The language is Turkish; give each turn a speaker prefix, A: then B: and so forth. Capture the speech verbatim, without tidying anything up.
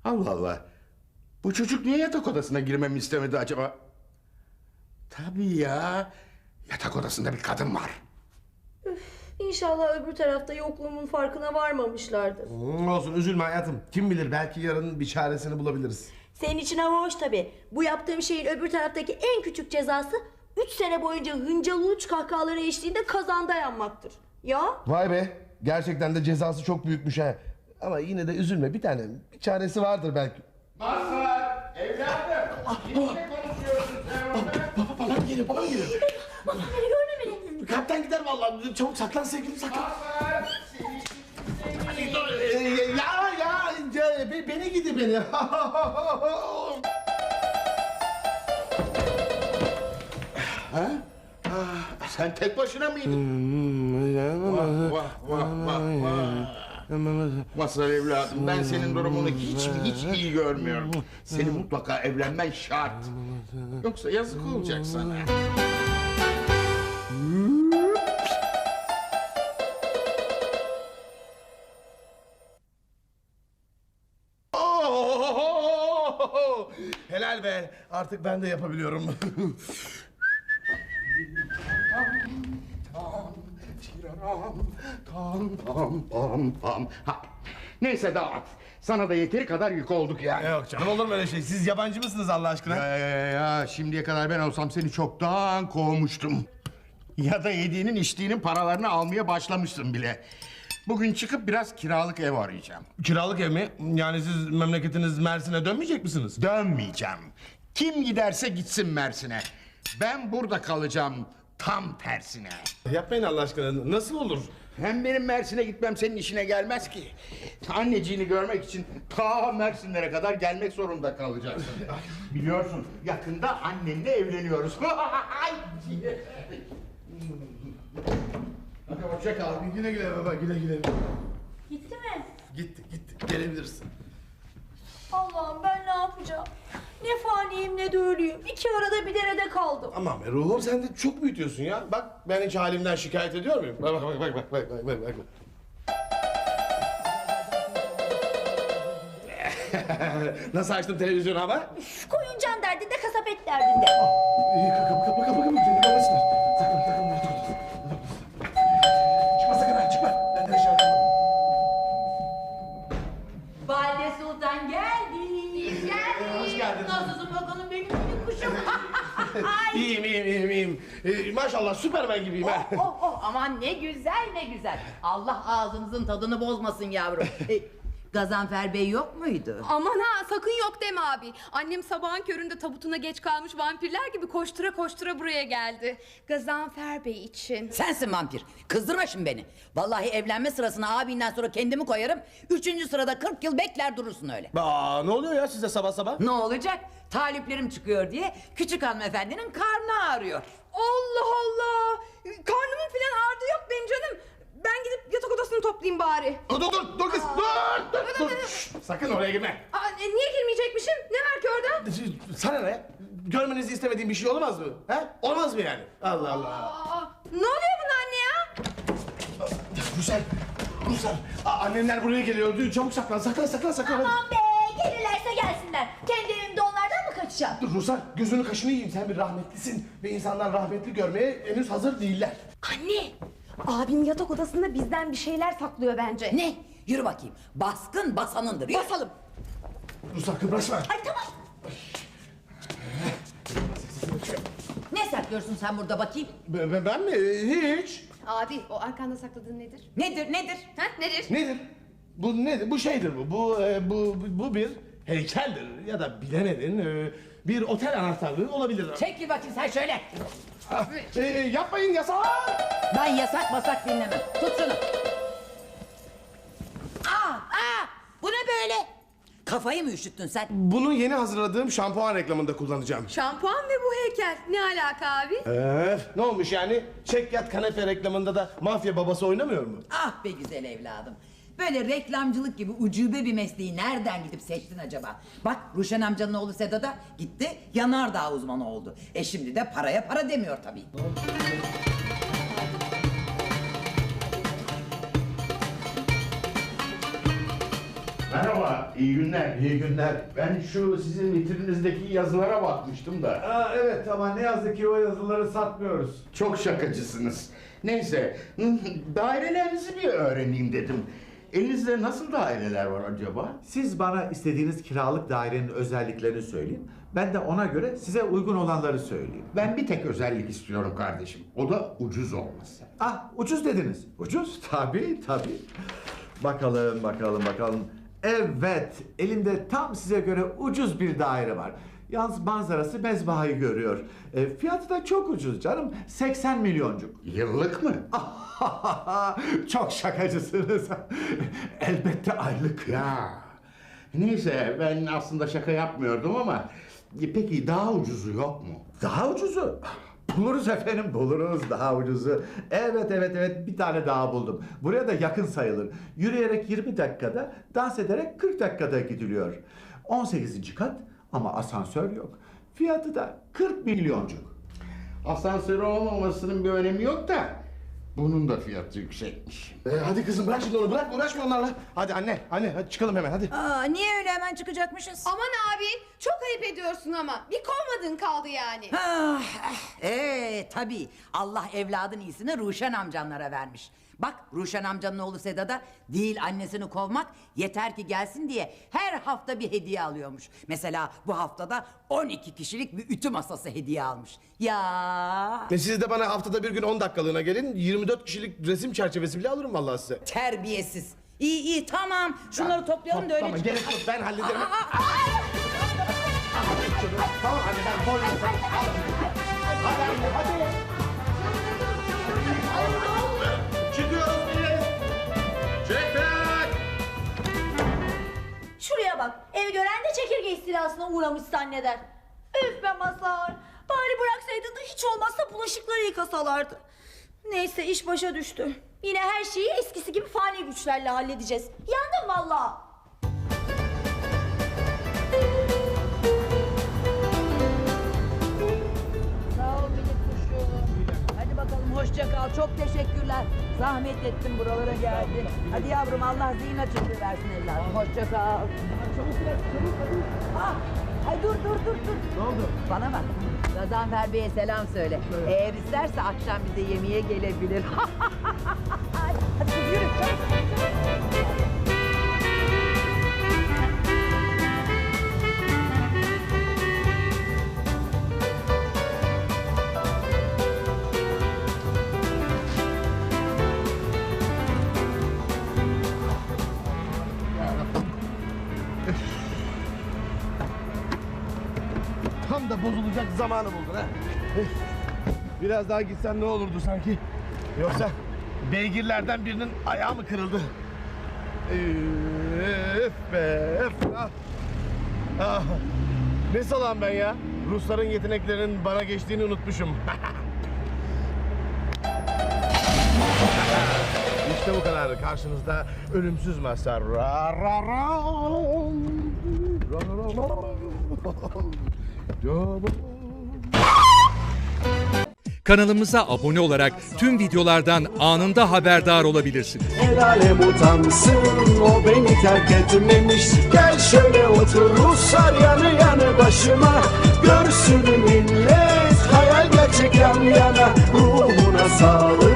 A: Allah Allah. Bu çocuk niye yatak odasına girmemi istemedi acaba? Tabii ya. Yatak odasında bir kadın var.
B: Üf, İnşallah öbür tarafta yokluğumun farkına varmamışlardır.
C: Hmm, olsun üzülme hayatım. Kim bilir belki yarın bir çaresini bulabiliriz.
B: Senin için hava hoş tabii. Bu yaptığım şeyin öbür taraftaki en küçük cezası üç sene boyunca hıncalı uç kahkahaları eşliğinde kazanda yanmaktır. Ya?
C: Vay be. Gerçekten de cezası çok büyükmüş ha. Ama yine de üzülme bir tane. Bir çaresi vardır belki.
A: Mazhar, evladım. Kiminle konuşuyorsun sen orada?
C: Baba babam geliyor babam geliyor.
B: Bak beni görme beni.
C: Kalpten gider vallahi. Çabuk saklan sevgilim saklan.
A: Mazhar, seni
C: Ee, ya ya ya, be- beni gidi beni.
A: Ha? Ah, sen tek başına mıydın? Vah vah vah vah vah. Mazhar evladım, ben senin durumunu hiç hiç iyi görmüyorum. Senin mutlaka evlenmen şart. Yoksa yazık olacak sana.
C: Oh! Helal be. Artık ben de yapabiliyorum.
A: Tam tam tam tam. Ha. Neyse dağıt. Sana da yeteri kadar yük olduk yani.
C: Yok canım olur mu öyle şey? Siz yabancı mısınız Allah aşkına?
A: Ya, ya, ya, ya, şimdiye kadar ben olsam seni çoktan kovmuştum. Ya da yediğinin içtiğinin paralarını almaya başlamışsın bile. Bugün çıkıp biraz kiralık ev arayacağım.
C: Kiralık ev mi? Yani siz memleketiniz Mersin'e dönmeyecek misiniz?
A: Dönmeyeceğim. Kim giderse gitsin Mersin'e. Ben burada kalacağım tam tersine.
C: Yapmayın Allah aşkına. Nasıl olur?
A: Hem benim Mersin'e gitmem senin işine gelmez ki. Anneciğini görmek için ta Mersinlere kadar gelmek zorunda kalacaksın. Biliyorsun yakında annenle evleniyoruz. Hadi hoşça kal.
C: Güle güle baba güle güle.
B: Gitti mi?
C: Gitti gitti gelebilirsin.
B: Allah'ım ben ne yapacağım? Ne faniyim ne de ölüyüm. İki arada bir derede kaldım.
C: Aman be ruhum sen de çok büyütüyorsun ya. Bak ben hiç halimden şikayet ediyor muyum? Bak bak bak bak bak bak bak bak. Nasıl açtım televizyonu ama?
B: Üf, koyuncan derdinde kasap et derdinde.
C: İyi kapı kapı kapı kapı seni kapatsınlar. Saklan saklan dur dur. Çıkma sakın ha çıkma. Ben de aşağı kalmam.
D: Valide Sultan geldi.
B: Geldi.
C: Hoş geldin.
D: Nasılsın bakalım benim minik kuşum?
C: İyiyim iyiyim iyiyim iyiyim. Ee, maşallah Süpermen gibiyim ha.
D: oh oh aman ne güzel ne güzel. Allah ağzınızın tadını bozmasın yavrum. E, Gazanfer Bey yok muydu?
E: Aman ha sakın yok deme abi. Annem sabahın köründe tabutuna geç kalmış vampirler gibi koştura koştura buraya geldi. Gazanfer Bey için.
D: Sensin vampir. Kızdırma şimdi beni. Vallahi evlenme sırasına abinden sonra kendimi koyarım. Üçüncü sırada kırk yıl bekler durursun öyle.
C: Aa, ne oluyor ya size sabah sabah?
D: Ne olacak? Taliplerim çıkıyor diye küçük hanımefendinin karnı ağrıyor.
E: Allah Allah. Karnımın filan ağrıdı yok benim canım. Ben gidip yatak odasını toplayayım bari.
C: Dur dur dur dur kız dur dur dur. Şşt, sakın oraya girme.
E: Aa, e, niye girmeyecekmişim? Ne var ki orada?
C: Sana ne? Görmenizi istemediğim bir şey olmaz mı? He? Olmaz mı yani? Allah Allah.
E: Aa, ne oluyor buna anne ya?
C: Ruslar, Ruslar. Aa, annenler buraya geliyor. Çabuk saklan, saklan, saklan, saklan.
B: Aman be gelirlerse gelsinler. Kendi evimde onlardan mı kaçacağım?
C: Dur Ruslar, gözünü kaşını yiyeyim. Sen bir rahmetlisin ve insanlar rahmetli görmeye henüz hazır değiller.
E: Anne. Abim yatak odasında bizden bir şeyler saklıyor bence.
D: Ne? Yürü bakayım. Baskın basanındır. Yürü.
E: Basalım.
C: Ruslar kıpraşma.
B: Ay tamam.
D: Ne saklıyorsun sen burada bakayım?
C: Ben, ben mi? Hiç.
E: Abi o arkanda sakladığın nedir?
D: Nedir nedir?
E: Ha nedir?
C: Nedir? Bu nedir? Bu şeydir bu. Bu e, bu bu bir heykeldir ya da bilemedin e, bir otel anahtarlığı olabilir.
D: Çekil bakayım sen şöyle.
C: Ah, e, yapmayın yasak.
D: Ben yasak masak dinlemem. Tut şunu. Aa, aa, bu ne böyle? Kafayı mı üşüttün sen?
C: Bunu yeni hazırladığım şampuan reklamında kullanacağım.
E: Şampuan ve bu heykel. Ne alaka abi?
C: Öf, ne olmuş yani? Çek yat kanepe reklamında da mafya babası oynamıyor mu?
D: Ah be güzel evladım. Böyle reklamcılık gibi ucube bir mesleği nereden gidip seçtin acaba? Bak Ruşen amcanın oğlu Sedat da gitti yanardağ uzmanı oldu. E şimdi de paraya para demiyor tabii.
A: Merhaba. Merhaba, iyi günler.
C: İyi günler.
A: Ben şu sizin vitrinizdeki yazılara bakmıştım da.
C: Aa, evet ama ne yazık ki o yazıları satmıyoruz.
A: Çok şakacısınız. Neyse, dairelerinizi bir öğreneyim dedim. Elinizde nasıl daireler var acaba?
F: Siz bana istediğiniz kiralık dairenin özelliklerini söyleyin. Ben de ona göre size uygun olanları söyleyeyim.
A: Ben bir tek özellik istiyorum kardeşim. O da ucuz olması.
F: Ah, ucuz dediniz. Ucuz? Tabii, tabii. Bakalım, bakalım, bakalım. Evet, elimde tam size göre ucuz bir daire var. Yalnız manzarası mezbahayı görüyor. E, fiyatı da çok ucuz canım. seksen milyoncuk.
A: Yıllık mı?
F: Çok şakacısınız. Elbette aylık.
A: Ya. Neyse, ben aslında şaka yapmıyordum ama... Peki daha ucuzu yok mu?
F: Daha ucuzu. Buluruz efendim, buluruz daha ucuzu. Evet, evet, evet, bir tane daha buldum. Buraya da yakın sayılır. Yürüyerek yirmi dakikada, dans ederek kırk dakikada gidiliyor. on sekizinci kat ama asansör yok. Fiyatı da kırk milyoncuk.
A: Asansörü olmamasının bir önemi yok da... Bunun da fiyatı yüksekmiş.
C: Ee, hadi kızım bırak şimdi onu, bırak uğraşma onlarla. Hadi anne, anne hadi çıkalım hemen hadi.
D: Aa, niye öyle hemen çıkacakmışız?
E: Aman abi çok ayıp ediyorsun ama. Bir kovmadın kaldı yani.
D: Ah, ee, tabii Allah evladın iyisini Ruşen amcanlara vermiş. Bak Ruşen amcanın oğlu Seda da değil annesini kovmak, yeter ki gelsin diye her hafta bir hediye alıyormuş. Mesela bu haftada on iki kişilik bir ütü masası hediye almış. Ya
C: E, siz de bana haftada bir gün on dakikalığına gelin. yirmi dört kişilik resim çerçevesi bile alırım vallahi size.
D: terbiyesiz. İyi iyi tamam şunları toplayalım da öyle
C: Tamam
D: çıkalım.
C: gerek yok, ben hallederim. Tamam hadi ben koydum. Hadi anne hadi. Çıkıyoruz biz. Çekmek.
B: Şuraya bak. Evi gören de çekirge istilasına uğramış zanneder. Üf be Mazhar. Bari bıraksaydın da hiç olmazsa bulaşıkları yıkasalardı. Neyse iş başa düştü. Yine her şeyi eskisi gibi fani güçlerle halledeceğiz. Yandım vallahi.
D: Sağ ol minik kuşum. Hadi bakalım hoşça kal. Çok teşekkürler. Zahmet ettin buralara geldin. Hadi yavrum Allah zihin açıklığı versin evladım. Hoşça kal. Ah, ay dur dur dur dur.
C: Ne oldu?
D: Bana bak. Gazanfer Bey'e selam söyle. Eğer isterse akşam bize yemeğe gelebilir. Hadi kız yürü çabuk.
C: Tam da bozulacak zamanı buldun ha. Biraz daha gitsen ne olurdu sanki? Yoksa beygirlerden birinin ayağı mı kırıldı? Öf be öf. Ah. Ah. Ne salam ben ya? Rusların yeteneklerinin bana geçtiğini unutmuşum. İşte bu kadar. Karşınızda ölümsüz Mazhar. Ra ra ra. Ra ra ra.
G: Kanalımıza abone olarak tüm videolardan anında haberdar olabilirsiniz.
H: El alem utansın, o beni terk etmemiş. Gel şöyle otur Ruslar yanı yanı başıma. Görsün millet hayal gerçek yan yana. Ruhuna sağlık.